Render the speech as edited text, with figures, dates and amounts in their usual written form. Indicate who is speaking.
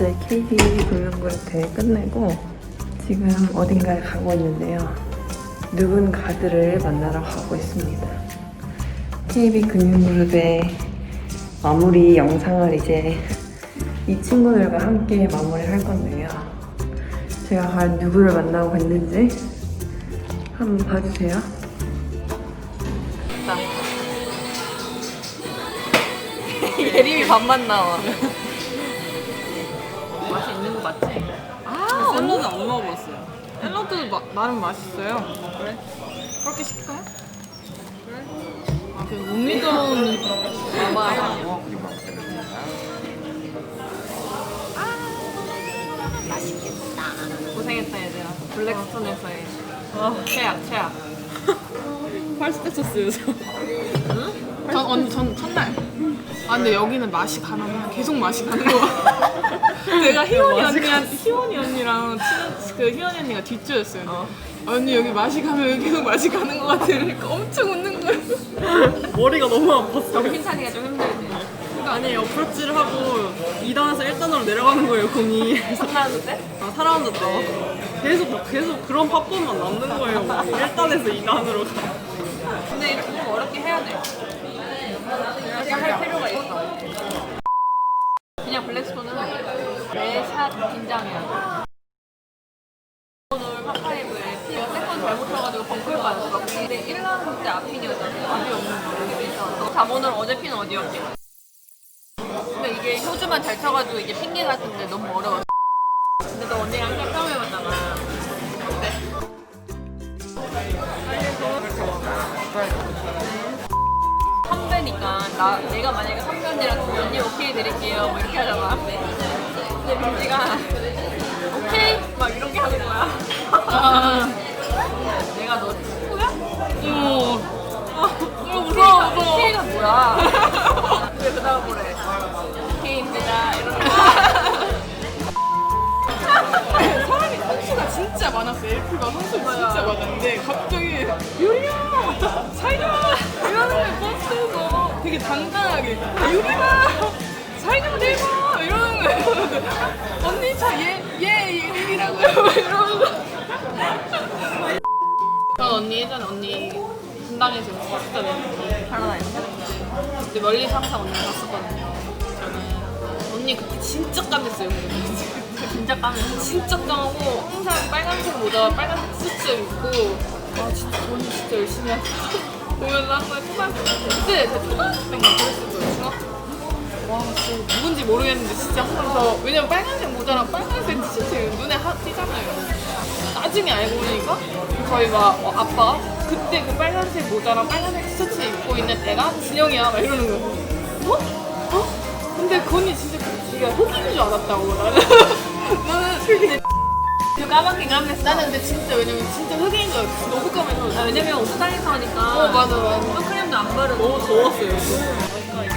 Speaker 1: 어제 KB 금융그룹 대회 끝내고 지금 어딘가에 가고 있는데요. 누군가들을 만나러 가고 있습니다. KB 금융그룹의 마무리 영상을 이제 이 친구들과 함께 마무리할 건데요. 제가 과연 누구를 만나고 있는지 한번 봐주세요. 예림이 밥만 나와. 맛이 있는 거 맞지?
Speaker 2: 아, 샐러드 안 먹어봤어요. 샐러드도 나름 맛있어요. 그래? 그렇게 시킬까요? 그래? 아, 그 못 믿어온 마마야.
Speaker 1: 맛있겠다.
Speaker 2: 고생했다 얘들아. 블랙스톤에서의 최악. 80대 쳤어요 저. 응? 전 첫날. 아 근데 여기는 맛이 가면 그냥 계속 맛이 가는 거 같아. 내가 희원이 언니랑 친한 그 희원이 언니가 뒷조였어요. 언니 여기 맛이 가면 여기 계속 맛이 가는 거 같아. 그러니까 엄청 웃는 거예요. 머리가 너무 아팠어.
Speaker 1: 정신 차리기가 좀 힘들지.
Speaker 2: 아니 어프로치를 하고 2단에서 1단으로 내려가는 거예요 공이.
Speaker 1: 3라운드 때?
Speaker 2: 아 4라운드 때 계속 그런 팝법만 남는 거예요. 1단에서 2단으로 가.
Speaker 1: 근데 이렇게 좀 어렵게 해야 돼. 이렇게 할 필요가 있어. 그냥 블랙스톤은 매샷 긴장해야 돼. 오늘 파5에 세컨 잘못 쳐가지고 벙커를 맞았어. 근데 1라운드 때 앞핀이었잖아. 앞이 없는 모르겠어. 자본은 어제 핀 어디였지? 근데 이게 효주만 잘 쳐가지고 이게 핑계 같은데 너무 어려워. 근데 너 언니랑 항상 처음 해봤잖아. 어때? 선배니까 내가 만약에 선배 언니랑 언니 오케이 드릴게요 뭐 이렇게 하잖아. 근데 민지가 오케이 막 이렇게 하는 거야. 내가 너 친구야? 무서워. 오케이가 뭐야? 왜 그다음 뭐래? 오케이입니다 이러는
Speaker 2: 사람이 선수가 진짜 많았어요. LP가 선수 진짜 많았는데 갑자기 유리야! 살려! 이러는 거예요. 버스에서 되게 당당하게 유리야! 살좀 대봐! 이러는 거예요. 언니 얘 이름이라고요? 이러는 거. 전 언니 예전에 언니 분당에서 봤었잖아요.
Speaker 1: 파라다이스?
Speaker 2: 근데 멀리서 항상 언니를 봤었거든요. 저는 언니 그때 진짜 까맸어요.
Speaker 1: 진짜 까면
Speaker 2: 진짜 까고 항상 빨간색 모자, 빨간색 수트 입고 아 진짜 언니 진짜 열심히 하다 보면서 항상 초등학교 그때 제가 초등학생인가 그랬을 거예요. 중학교 와 진짜 누군지 모르겠는데 진짜 항상 왜냐면 빨간색 모자랑 빨간색 티셔츠 눈에 띄잖아요. 나중에 알고 보니까 저희 막 아빠가 그때 그 빨간색 모자랑 빨간색 티셔츠 입고 있는 애가 진영이야 막 이러는 거예요. 어? 근데 그 언니 진짜 지가 흑인인 줄 알았다고 나는 흑인
Speaker 1: 까맣게 까맸어.
Speaker 2: 나는 근데 진짜 왜냐면 진짜 흑인인 줄 알았어. 너무 까매서
Speaker 1: 왜냐면 옥상에서 하니까
Speaker 2: 맞아
Speaker 1: 선크림도 안 바르고
Speaker 2: 너무 더웠어요.